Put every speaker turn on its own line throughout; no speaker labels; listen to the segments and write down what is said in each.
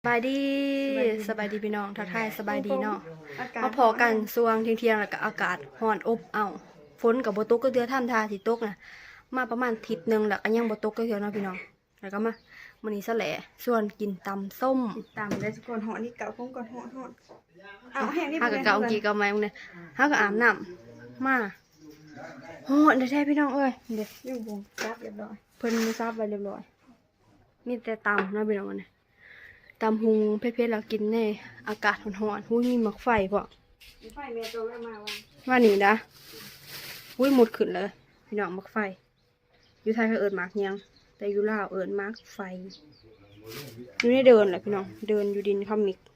สบายดีพี่น้องทักทายสบายดีเนาะมาพอกันสวงเที่ยงแล้วก็อากาศร้อนอบอ้าวฝนกับบ่ตกก็เดือท่ามทาสิตกนะมาประมาณอาทิตย์นึงแล้วก็ยังบ่ตกก็เทื่อเนาะพี่น้องแล้วก็มามื้อนี้ซะแหละส่วนกินตำส้ม
ตำได้ก่อนห่อนี่เก่าก่อนห่อเอาแห้งนี่
หากับเก่ากี่ก็มาเนี่ยหาก็อาบน้ำมาโหได้แท้พี่น้องเอ้ยเด็ด
ยุ่งวงซับเรียบร้อย
เพิ่นซับไว้เรียบร้อยมีแต่ตำเนาะพี่น้องเนี่ยตำหุงเผ็ดๆแล้วกินในอากาศร้อนๆหุ้ยมีหมักไฟพอ
ไฟเมียตัวแม่มา
ว่านี่นะหุ้ยหมดขึ้นเลยพี่น้องหมักไฟอยู่ไทยเขาเอิญหมักยังแต่อยู่ลาวเอิญหมักไฟอยู่ในเดินแหละพี่น้องเดินอยู่ดินคอมิก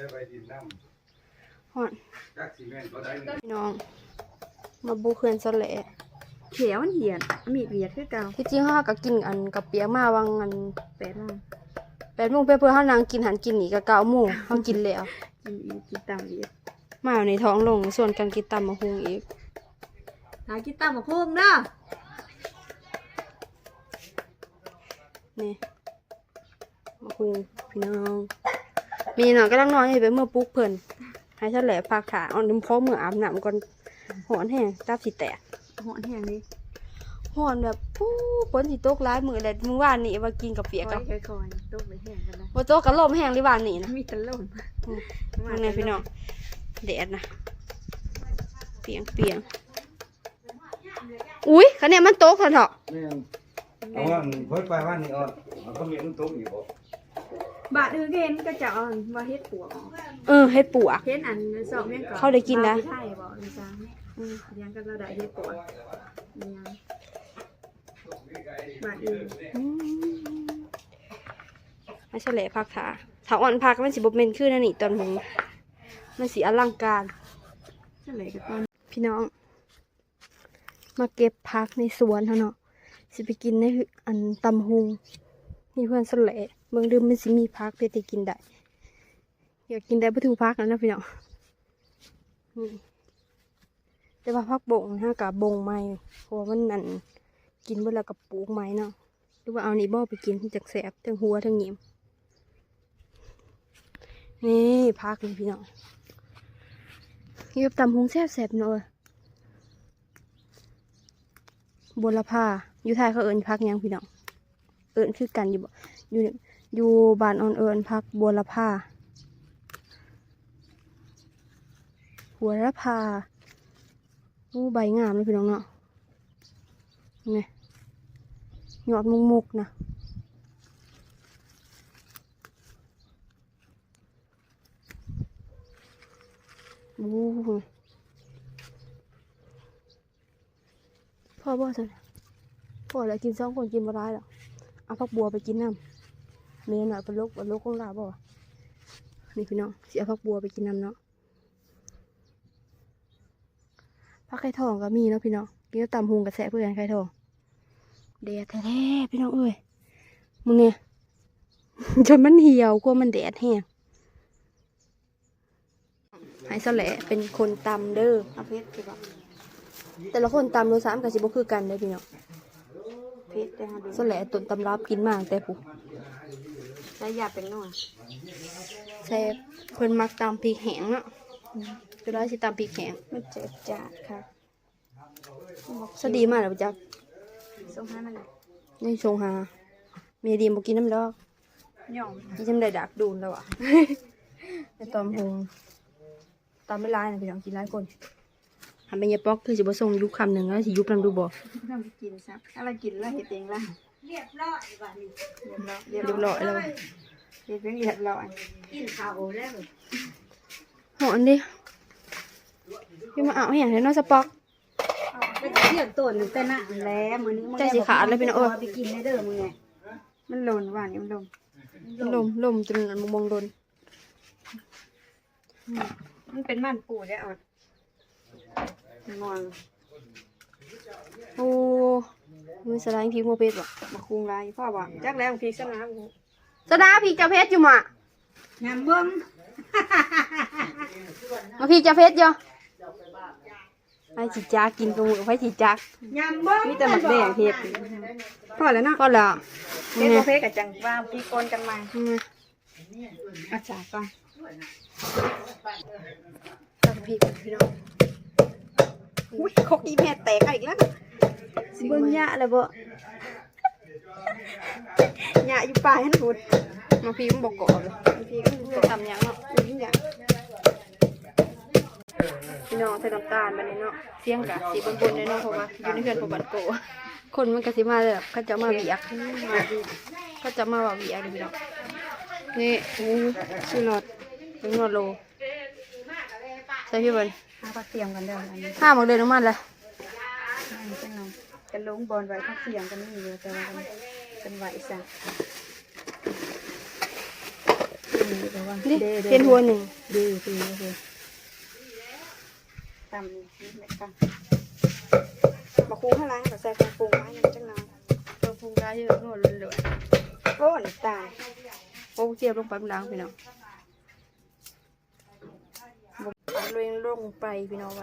ฮ้อนพี่น้องมาบูเขื่อนสะแหละ
เขียวมันเหียนมีดเหียดคือเก่า
ที่จริงเขาก็กินอันกับเปียกมาวังอัน
8 โมง
8 โมงเพื่อเขานางกินหันกินหนีกับ9 โมงเขากินแล้ว
กินตำอีก
มาในท้องลงส่วนการกินตำมะฮุงอีก
หากินตำบักหุ่งเนาะ
นี่มะฮุงพี่น้องมีหน่อยก็ต้องนอนให้ไปเมื่อปุ๊กเพิ่นให้ฉันแหละพักขาอ่อนน้ำพอมืออาบน้ำก่อนหอนแห้งตับสิแตก
ห่อแห้งนี่
หอนแบบปู้ฝนสิตกร้ายมือเลยมือวานนี่ว่ากินกับเปียกกับ
ค่อยๆต้มไปแห้งกันนะ
ว่าโตกกับลมแห้งหรือวานนี่นะ
มีตะล่ม
นั่นไงพี่น้องแดดนะเปียงอุ้ยคะแนนมันโต๊ะเถอะ
แม่นเอาว่าเพิ่นไปว่านี่อ่อนมันก็มีมันตกอยู่บ่
บาดเห็นก็จะว่าเฮ็ดปวก
เฮ็ดปัว
เฮ็ดอันสอบแม่งก่อน
เขาได้กินนะ
ใช่บ่เลยจ้าเลี้ยงกันเราได้เฮ็ดปวกเลี้ยงบาดอื่น
ไม่ใช่แหละพักขาถ้าอ่อนพักมันสิบเมนขึ้นนั่นนี่ตอนหงมันสีอลังการ
เฉลยกันตอน
พี่น้อง มาเก็บพักในสวนเนาะสิไปกินในอันตำหุงมีเพื่อนสละเมืองดื่มมันสิมีพักเพื่อจะกินได้อยากกินได้ประตูพักนะพี่น้องนี่แต่ว่าพักบงนะกับบงไม้เพราะว่ามันนั่นกินเวลากับปลูกไม้เนาะหรือว่าเอานี่บ่อไปกินจากแสบทั้งหัวทั้งเหนียมนี่พักเลยพี่น้องนี่กับตำหุงแซ่บๆเนาะบัวละผ้าอยู่ไทยเขาเอิญพักยังพี่น้องเอิญคือกันอยู่บ่อยู่บ้านอ่อนเอิญพักบัวละผ้าบัวละผ้าใบงามเลยพี่น้องเนาะนี่ยอดมุกๆนะพ่อบอกสิพ่อแล้วกิน2 คนกินบ่ได้หรอกเอาผักบัวไปกินน้ำเมนหน่อยเป็นโรคของเราบ่นี่พี่น้องสิเอาผักบัวไปกินน้ำเนาะผักไข่ทองก็มีเนาะพี่น้องกินกับตำหุงกับแสะเพื่อนไข่ทองแดดแท้ๆพี่น้องเอ้ยมึงเนี่ย จนมันเหี่ยวกลัวมันแดดแห้งให้สละเป็นคนตำเด้อเอาเพชรดีกว่าแต่ละคนตำรส3กับ10คือกันเลยพี่น้อง
เพชรได้ฮะดู
สละต้นตำรับกินมากแต่ปุ๊บ
ใช้ยาเป็นหน่อย
แซ่บเพิ่นมักตำพริกแห้งเนาะจะได้สิตำพริกแห้ง
มันเจ็บจัดค่ะ
สดีมากเลยจัก
ส่งให้มันเลย
นี่ชงหาเมียดีบ่กินน้ำดอก
ย่อง
กินจำได้ดักดูนแล้วอ่ะ ในตอมหงตำไม่ร้ายนะพี่น้องกินหลายคนทำเป็นยาป๊อกคือสิบ่ส่งยุคคำหนึ่งแล้วสิยุบนำดูบ่
ทำไปกินซะอะไรกินแล้วเห็ดเองล่ะเรียบร้อยบ้านี้เรียบ
เรียบร้อยแล้ว
เรียบร้อยกินข้าวแล้ว
หอนดิพี่มาเอาให้อย่างไรน้องสป๊อก
ก็จะเที่ยวตัวหนึ่งแต่หน้าแล้วมือนี้ไปกินได้เด้อมึงไงมันหล่นว่านี่มันหล่น
ลมจนมองโดน
มันเป็นมันปูได้อดงอน
โอ้มือสไลด์พริกโมเป็ดว่ะ
มาคุงไรพ่อบอกจักแล้วพีสนาม
สดาพริกจะเพชรอยู่มั้ย
งามเบิ้ง
มาพริกจะเพชรอยู่ไปจีจ้ากินกับมือไปจีจ้าง
ามเบิ้งมีแต่หมักแดงเห็ดพ่อแล้วเนาะ
ก็แล้ว
เฮ็ดโอเพกับจังว่าพี่กนกันมาอาจารย์ก่อน
ตำพริกพี่น้อง
อุ้ยคกอีแม่แตกอีกแล้วเบิ่งหญ้าแล้วบ่หญ้าอยู่ปลายหันพุ่น
มาพริกมันบอกกรอบเลย
บางทีก็
จะทำยังเนาะ
หญ้า
พี่น้องใส่น้ำตาลมาเนี่ยเนาะเสียงกะสีบนๆเลยเนาะเพราะว่าอยู่ในเรือนของบันโกคนมันกะสิมาแบบเขาจะมาเบียกเขาจะมาว่าเบียกเลยพี่น้องนี่
ชูรส
เป็นนวดโลใส่พี่บอล
หาผักเสียงกันเด้ออันนี้
ห้าหมกเดินน้ำมันเลย
จังหน่อยกันลงบอลไว้ผักเสียงกันนี่อยู่แต่ว่ากันไหวซะนี่แต่ว่า
นี่เป็นหัวหนึ่ง
ดีตำนี่แม่กันมาคุ้งให้ล้างกับใส่กระปุกไว้ยังจังหน่อย
ตัวพุงได้เยอะนวดเลย
โอ้น้ำตาล
โอ้เจียบลงไปมันล้างพี่น้องลงไปพี่น้องวัน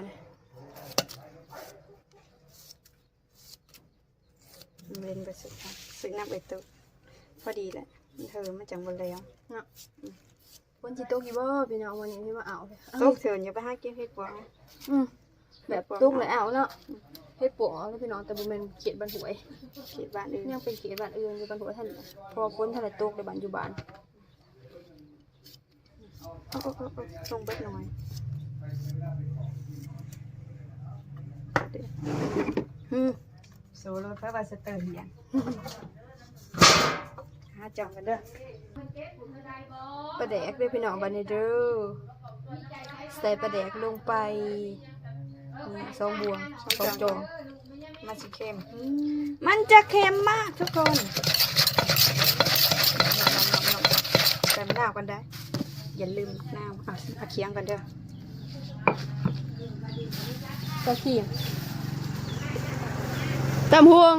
เล่นไปสุดค่ะสึกน้ำไปตุกพอดีแหละเธอมันจังบนแล้ว
เนาะวันจิโตกี่บ่พี่น้องวันนี้พี่มาเอาเลย
ตุกเถื่อนอย่าไปหาเก็บเห็ดบัว
แบบตุ้งเลยเอาเนาะเฮ็ดปวกเอาพี่น้องแต่บุเป็นเขียดบันหวย
เขีดบ้านอื่น
ยังเป็นเขียดบ้านอื่นอยู่บันหวยท่านพอพ้นท่านตกในบ้านอยู่บ้าน
ลงเบิดหน่อยโซโล่เพื่อว่าสเตอร์เหียงหาจังกันเด้อ
ปลาแดกด้วยพี่น้องบันนี้เด้อใส่ปลาแดกลงไปนี่สองบวงสองจอง
มันจะเค็มมันจะเค็มมากทุกคนแต่มะนาวกันได้อย่าลืมมะนาวเอาเคียงกันเด้อ
ตะขีมตำพวง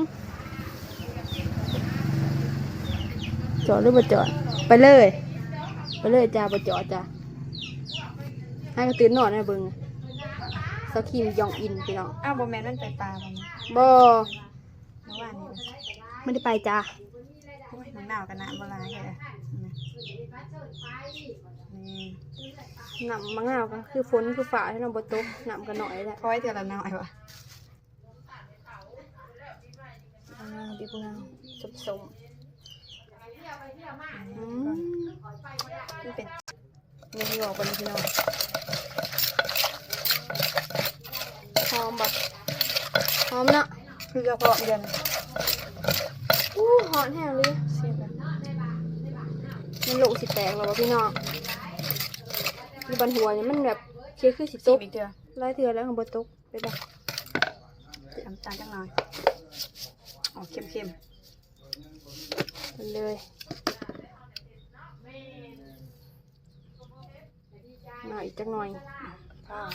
จอดหรือบ่จอดไปเลยจ้าบ่จอดจ้าให้ก็ตื่นนอนนะเบิ่งตะขีมยองอินพี่น้อง
อ้าวโบแมนมันไปปลาบ่
บ่
เมื่อวานนี้
ไม่ได้ไปจ้า
โอ้ยมะนาวกันนะโบราณเลยนี่
น้ำมะนาวก็คือฝนคือฝ่าให้เราบ่ตกน้ำก็น้อยแหละ
คอยเท่าละน้อยวะ
ดีพวกเราสม
มันเป็น
นี่พี่บอกไปเลยพี่น้องหอมแบบหอมเนาะ
คือกระเพาะเดือน
หอมแห้งเลย
เสียบแบบ
มันโลสิแตกแล้ววะพี่น้องมีบันหัวเนี่ยมันแบบเคี้ยวคือสิต
ซี
ก
บอีกเดือน
ไล่เถื่อแล้วของบ่ตกไปบ้าง
น้ำตาลจังหน่อยอ๋อเค็ม
ไปเลยหน่อยจักหน่อย
ๆพ่อ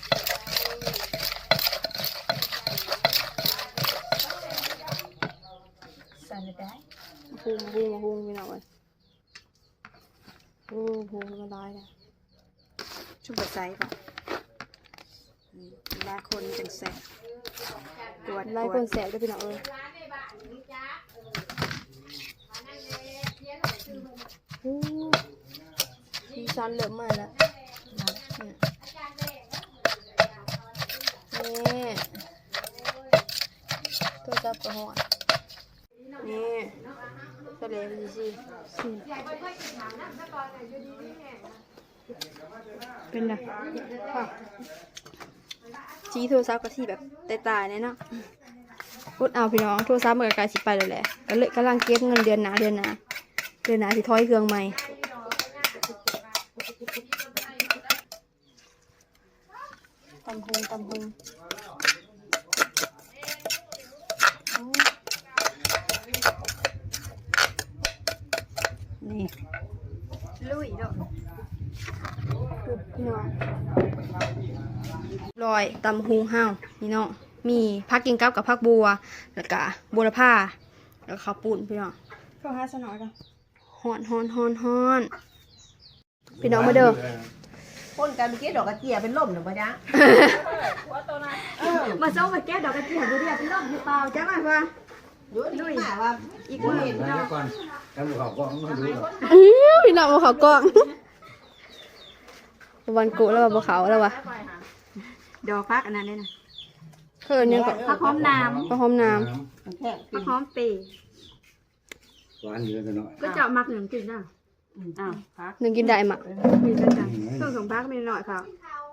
ใส่ไม่ได้
พุงพี่น้องเลยพุงละลายเลย
ชุ่มกระใสป่ะลาคนจังแสบกวด
ไล่คนแสบด้วยพี่น้องสีสันเหลือมาแล้วนี่ตัวจับกระหอนนี่ทะเลมันสิเป็นไงค่ะชี้โทรศัพท์ก็ที่แบบตายๆเนี่ยเนาะพูดเอาพี่น้องโทรศัพท์มันก็กลายสิไปแล้วแหละก็เลยกำลังเก็บเงินเดือนหนาสิถอยเครื่องใหม่ตำพุง
นี่ลุยด้วย
พี่น้องลอยตำหูห้าวพี่น้องมีผักกินกับผักบัวแล้วก็บัวละผ้าแล้วข้าวปุ้นพี่น้อง
ก็หาสนอยกัน
ฮ้อนพี่น้องมาเด้อ
คนกันเมื่อกี้ดอกกระเจียเป็นล่มหรือเปล่าจ๊ะ
มาเจ้ามาแก้ดอกกระเทียมดูดิเป็นร่มหรือเปล่าจ้าหน่อยว่า
ดูนี่มาว่า
อีก
บ่
มื้อ
เห็นนะก่อนแล้วเขาก็มาดูหรอก
พี่น้องบ่เขากล้องวันกุแล้วบ่เขาแล้ววะ
ดอกพักอันนั้นเลยนะ
เพิ่นยังก็
ผักหอมน้
ก็หอมน้
มันแค่
ำผักหอมเปย์
หวานอยู่กันหน่อย
ก็เจาะมักหนึ่งกินนะอ้าวพัก
ำนึงกินได้มะ
มีกันจ้ะเครื่องสองพักมีหน่อยค่ะ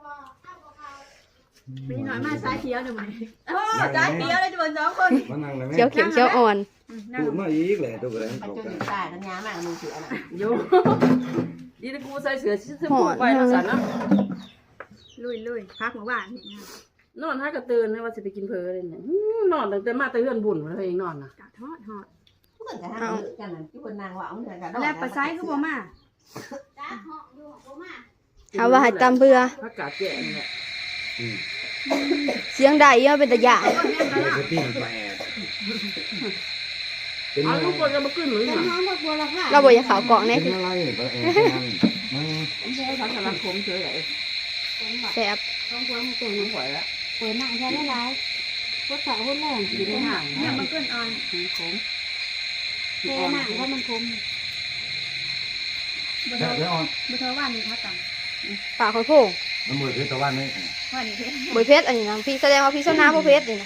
มีหน่อยมาสายเขียวหน่อยไหม
โอ้ใจเดียวเลยทุกคน2คน
มานั่งเลยแม่
เขียวเข็มเขียวอ่อน
นั่ง
ตูดมาอีกแหละตัวกระไร
มัน
เขา
จน
กัน
ตายกันยามากมึงเสือน่ะ
โยดีนะกูใส่เสื้อชิ้นสมุนไว้แล้วสันนะ
ลุยพักหมู่บ้านนี่นะ
นอนถ้ากระตือนนะว่าจะไปกินเพลเลยเนี่ยนอนตั้งแต่มาแต่เฮือนบุญมาเลยเองนอนนะ
กะทอด
ทุกคนจะหากันนั่นที่คนนางว่าเอาเงินกัน
แล้วปลาไซคือบ่มา
เอาว่าให้ตำเบื่อ
พักกาดแก่เนี่ย
เสียงได้ยังเป็นตะยาน
จะปิ้งแปะเป็น
เอา
อะไร
ทุกคนก็มาขึ้นหรือ
เป็น
ไง
น้องพวกบัวละค่ะ
เราบ่อยากเขากล่องแน่
เป็น
คือ
อะไรแปะมัน
ผมใช้ทางสารคมเฉยเลย
แซ่บ
ต้องควงเก่ง
ไม่ไหวแล้ว
เปิดหนังใช้ได้หลายพวกสาวคนแรง
อยู่ในห่าง
เนี่ยมันเกินอ่อน
ผม
เทหนังเพราะมันคมบ่
แค่
เท่า
เดี๋ยวอ่อน
บ่เท่าว่านนี่พักต่
ปากคอยโพง
น้ำมือถือตะวันนี่
ำว่านนี่เพชร
บ่เพชรอันนี้นะพี่แสดงว่าพี่ส้นน้ำบ่เพชรนี่นะ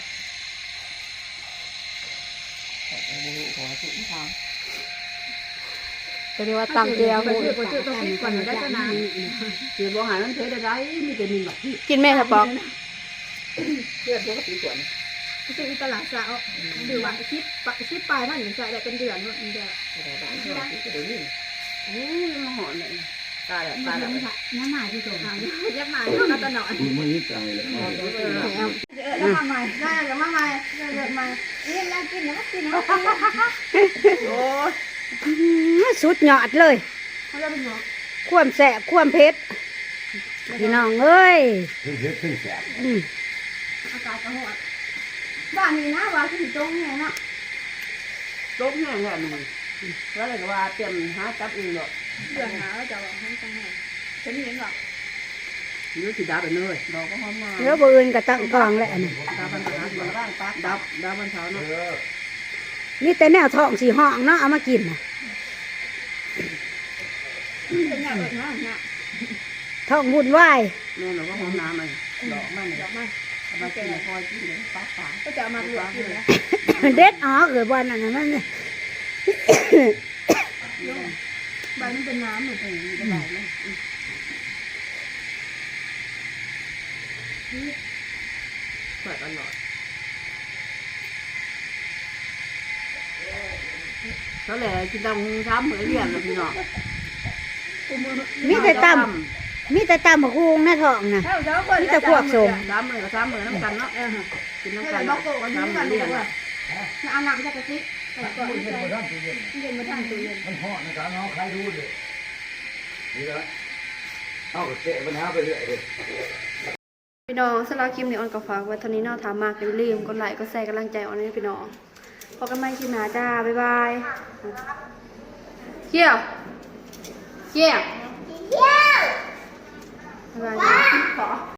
หัวสุดทาง
ก็เรียกว่าตำเจียว
ไปซื้อต้องคิดก่อนได้ก็นาน
เสียบ่หายมันเทได้มีแต่มีแบบที่
กินแม่สปอก
เลือดปกติก่อน
ซื้อตลาดสาวดูว่าชิปปลายมันใส่ได้เป็นเดือนเนาะเดือน
แต่บ้านเดี๋ยวนี้โอ้ยมาหอนเลยตายแล้วตายแล้ว
น้ำหมายที่ส่งเอายักหมายเท่ากันตลอด
คุณไม่ยึดใจเลย
แล้วมาใหม่ได้แล้วมาใหม่เกิดใหม่นี่แล้วกินแล้วกินแล้ว
โอ้ย
สุดยอดเลย
เขาจะเป็นหมอ
ความแสบความเผ็ดพี่น้องเอ้ย
ขึ้นเฮ็ดขึ้นแสบ
อากาศกระหดบ้านนี้นะว่าที่ตรงเนี่ยเนาะ
ลบแห้งแล้วมึงแล้วเลยว่าเตรียมหาจับอื่นหรอก
เดือนหนาวจะบอกให้จังไงฉันเห็นหรอก
ยืดสีดาไปเลยดอกก็หอมมา
แล้วบ่อื่นก็ตั้งกองแล้วนี่
ดาบันเช้ามาบ้างปักดับดาบันเช้าเนาะ
มีแต่แนวท้องสีห้องเนาะเอามากินน่ะ
เป็นอย่างแบบนั้นนะ
ท้องวุ่นวาย
แม่เราก็หอมน้ำมันดอกมัน
ดอกไม้
มากินคอยกินเลยปักปัก
ก็จะเอามาลวกกินแล้ว
เด็ดอ๋อเกิดวันนั้นน่ะมัน
ใบมันเป็นน้ำเหมือนกัน
ก็ได้ไหมเปิดตลอดแล้วแหละกินดำช้ำเหมือนเรียนเลยพี่น้อง
มีแต่ตำบักฮุงนะท้องน่ะ
เท่าเจ้าคน
มีแต่พวกสม
ช้ำเหมือนกับช้ำเหมือนน้ำกันเนาะกินน้ำ
ให้
กัน
บอกโกวันนี้
ช้ำเหมื
กั
อน นเรียน
ด้วยเอาหนังจะกระซิบก่อนเย็นมาทานตู้เย็น
มันห่อนะครับน้องใครรู้เลยนี่ละเอาเตะปัญหาไปเรื่อยเลย
พี่น้องสำหรับคลิปนี้ออนก็ฝากไว้เท่านี้เนาะถามมากอย่าลืมกดไลค์กดแชร์กำลังใจออนให้พี่น้องพบกันใหม่คลิปหน้าจ้าบ๊ายบายเกี่ยวบ๊ายบาย